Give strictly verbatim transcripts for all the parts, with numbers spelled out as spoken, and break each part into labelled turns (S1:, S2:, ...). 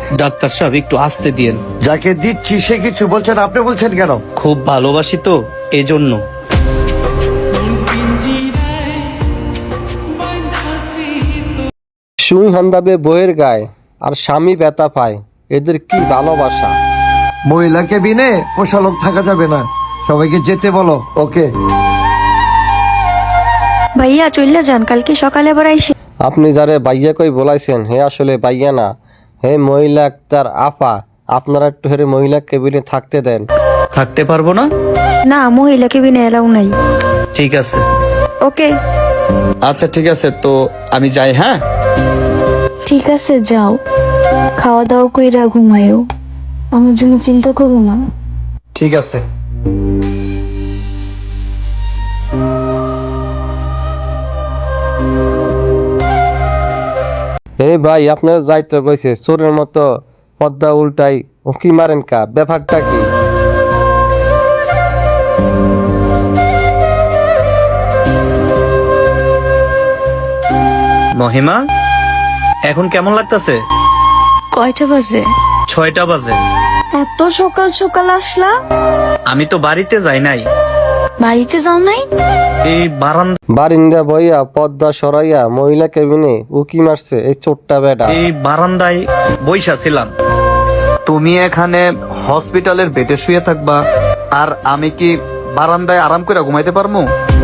S1: Doctor সাহেব একটু আস্তে দিয়েন।
S2: যাকে দিচ্ছি সে কিছু বলছেন, আপনি বলছেন কেন?
S1: খুব ভালোবাসি তো এজন্য।
S3: সুই হন্দাবে বইয়ের গায়ে আর স্বামী ব্যথা পায়, এদের কি ভালোবাসা।
S2: মহিলা কেবিনে পোষা লোক থাকা যাবে না, সবাইকে যেতে বলো। ওকে
S4: ভাইয়া চইলা যান, কালকে সকালে আবার আইসে।
S3: আপনি যারে বাইয়া কই বলাইছেন হে আসলে বাইয়া না, হে মহিলা তার আপা। আপনারা একটু হেরে মহিলা কেবিনে থাকতে দেন।
S1: থাকতে পারবো না?
S4: না, মহিলা কেবিনে এলাও নাই।
S1: ঠিক আছে।
S4: ওকে
S1: আচ্ছা ঠিক আছে, তো আমি যাই। হ্যাঁ
S5: ঠিক আছে, যাও, খাওয়া দাওয়া কইরা ঘুমায়ও, আমার জন্য চিন্তা করো না।
S1: ঠিক আছে।
S3: হে ভাই, আপনার যাইতে কইছে, চোরের মতো পদ্মা উল্টাই উকি মারেন কা, ব্যাপারটা কি?
S1: মহিমা, এখন কেমন লাগতেছে?
S4: কয়টা বাজে?
S1: ছয়টা বাজে।
S4: এত সকাল সকাল আসলা?
S1: আমি তো বাড়িতে যাই নাই,
S4: বাড়িতে যাও নাই?
S1: এই বারান্দা
S3: বারিন্দা বইয়া পদ্মা সরাইয়া মহিলা কেবিনে উকি মারছে এই চোরটা বেটা।
S1: এই বারান্দায় বইসা ছিলাম। তুমি এখানে হসপিটালের বেডে শুয়ে থাকবা, আর আমি কি বারান্দায় আরাম করে ঘুমাইতে পারবো?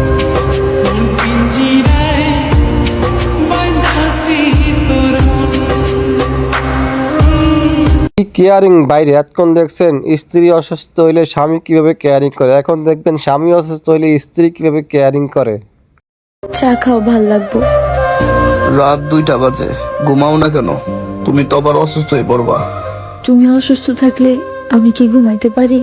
S3: কি কেয়ারিং বাইরে এতক্ষণ দেখছেন স্ত্রী অসুস্থ হইলে স্বামী কিভাবে কেয়ারিং করে, এখন দেখবেন স্বামী অসুস্থ হইলে স্ত্রী কিভাবে কেয়ারিং করে।
S4: চা খাও, ভাল লাগবো।
S1: রাত দুইটা বাজে, ঘুমাও না কেন? তুমি তো আবার অসুস্থ হয়ে পড়বা।
S5: তুমি অসুস্থ থাকলে আমি কি ঘুমাইতে পারি?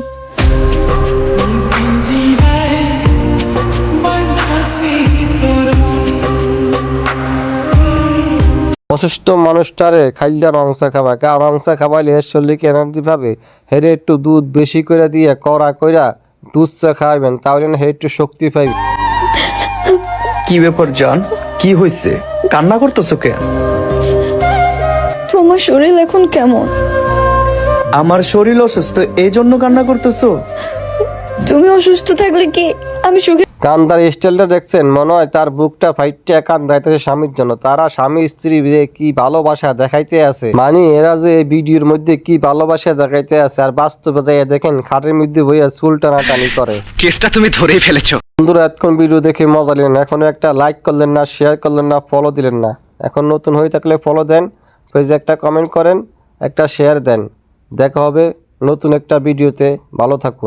S3: অসুস্থ মানুষটারে খাইলা রংসা খাবা, কা রংসা খাবাইলে এর শরীরকে এনার্জি পাবে। হেরে একটু দুধ বেশি করে দিয়ে কড়া কইরা দুধ চা খাওয়াবেন, তাহলে না হে একটু শক্তি পাইবে।
S1: কি ব্যাপার জান, কি হয়েছে? কান্না করতেছো কেন?
S4: তোমার শরীর এখন কেমন?
S1: আমার শরীর অসুস্থ, এই জন্য কান্না করতেছো?
S4: তুমি অসুস্থ থাকলে কি আমি সুখে?
S3: কান্দার স্টাইলটা দেখছেন, মনে হয় তার বুকটা ফাইটটা কান্দাইতেছে স্বামীর জন্য। তারা স্বামী স্ত্রী যে কি ভালোবাসা দেখাইতে আছে, মানে এরা যে এই ভিডিওর মধ্যে কি ভালোবাসা দেখাইতে আছে, আর বাস্তবে যাইয়া দেখেন খাটের মধ্যে বইয়া চুল টানাটানি করে।
S6: কেসটা তুমি ধরেই ফেলেছো।
S3: বন্ধুরা, এতক্ষণ ভিডিও দেখে মজা নিলেন, এখনো একটা লাইক করলেন না, শেয়ার করলেন না, ফলো দিলেন না। এখন নতুন হয়ে থাকলে ফলো দেন, পেজে একটা কমেন্ট করেন, একটা শেয়ার দেন। দেখা হবে নতুন একটা ভিডিওতে। ভালো থাকুন।